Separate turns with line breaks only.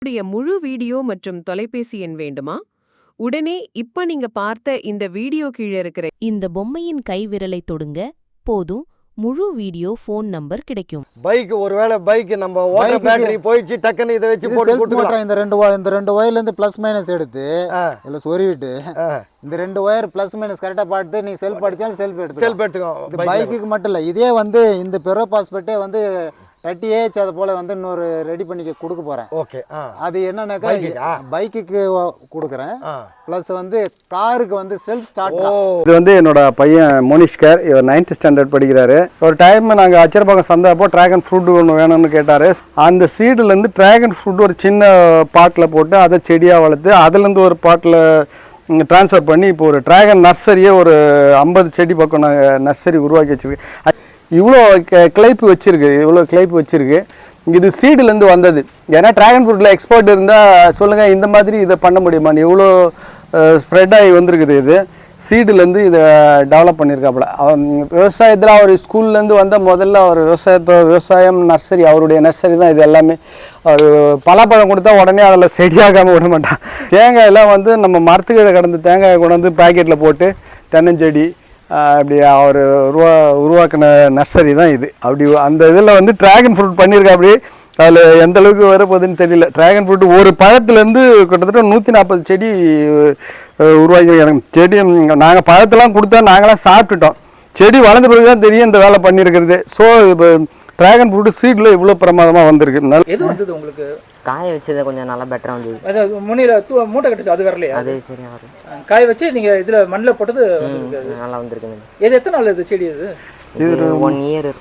உடைய முழு வீடியோ மற்றும் தொலைபேசி எண் வேண்டுமா? உடனே இப்ப நீங்க பார்த்த இந்த வீடியோ கீழே இருக்கிற
இந்த பொம்மையின் கைவிரலை தொடுங்க போதும் முழு வீடியோ ஃபோன் நம்பர் கிடைக்கும்.
பைக் ஒருவேளை பைக் நம்ம ஓட்ட பேட்டரி போயிடுச்சு டக்குன்னு இதை வச்சு போட்டு போட்டுக்கலாம்.
இந்த ரெண்டு ஒயர்ல இருந்து பிளஸ் மைனஸ் எடுத்து இல்ல சொருவிட்டு இந்த ரெண்டு ஒயர் பிளஸ் மைனஸ் கரெக்டா பார்த்து நீ செல்ஃப் அடிச்சாலும் செல்ஃப்
எடுத்துக்கோ.
பைக்குக்கு மட்டும் இல்ல, இதே வந்து இந்த பெரோ பாஸ்பெட்டே வந்து 30H அது போல வந்து இன்னொரு ரெடி பண்ணி கொடுக்க போறேன்.
ஓகே,
அது என்னன்னாக்கா பைக்குக்கு கொடுக்குறேன், பிளஸ் வந்து காருக்கு வந்து செல்ஃப் ஸ்டார்ட்.
இது வந்து என்னோட பையன் மோனிஷ்கர், இவர் 9th ஸ்டாண்டர்ட் படிக்கிறாரு. ஒரு டைம் நாங்கள் அச்சரப்பாக்கம் சந்தப்போ டிராகன் ஃப்ரூட் ஒன்று வேணும்னு கேட்டார். அந்த சீடுலேருந்து டிராகன் ஃப்ரூட் ஒரு சின்ன பாட்டில் போட்டு அதை செடியாக வளர்த்து அதுலேருந்து ஒரு பாட்டில் ட்ரான்ஸ்ஃபர் பண்ணி இப்போ ஒரு டிராகன் நர்சரியே ஒரு 50 செடி பக்கம் நாங்கள் நர்சரி உருவாக்கி வச்சுருக்கேன். இவ்வளோ கிளைப்பு வச்சுருக்கு. இது சீடுலேருந்து வந்தது. ஏன்னா ட்ராகன் ஃப்ரூட்டில் எக்ஸ்போர்ட் இருந்தால் சொல்லுங்கள், இந்த மாதிரி இதை பண்ண முடியுமா? இவ்வளோ ஸ்ப்ரெட் ஆகி வந்திருக்குது. இது சீடுலேருந்து இதை டெவலப் பண்ணியிருக்காப்புல. விவசாயத்தில் அவர் ஸ்கூல்லேருந்து வந்த முதல்ல அவர் விவசாயம் நர்சரி, அவருடைய நர்சரி தான் இது எல்லாமே. அவர் பலாப்பழம் கொடுத்தா உடனே அதில் செடியாகாமல் விட மாட்டான். தேங்காயெல்லாம் வந்து நம்ம மரத்துக்கிட்ட கடந்து தேங்காயை கொண்டு வந்து பேக்கெட்டில் போட்டு தென்னஞ்செடி அப்படி அவர் உருவாக்கின நர்சரி தான் இது. அப்படி அந்த இதில் வந்து ட்ராகன் ஃப்ரூட் பண்ணியிருக்கா. அப்படி அதில் எந்த அளவுக்கு வரப்போகுதுன்னு தெரியல. ட்ராகன் ஃப்ரூட் ஒரு பழத்துலேருந்து கிட்டத்தட்ட 140 செடி உருவாக்கி செடி நாங்கள் பழத்தெல்லாம் கொடுத்தா நாங்களாம் சாப்பிட்டுட்டோம். செடி வளர்ந்த பிறகு தான் தெரியும் இந்த வேலை பண்ணியிருக்கிறது. ஸோ இப்போ ட்ராகன் ஃப்ரூட் சீடில் இவ்வளோ பிரமாதமாக வந்திருக்கு.
எது வந்தது உங்களுக்கு?
காய வச்சது கொஞ்சம் நல்லா பெட்டரா வந்தது.
அதாவது முனில மூட்டை கட்டுச்சு அது வரலையா?
அது சரியா வரும்.
காய வச்சு நீங்க இதுல மண்ணில் போட்டது
நல்லா வந்திருக்கு.
எது எத்தனை நாள் இது செடி? இது
1 இயர் இருக்கும்.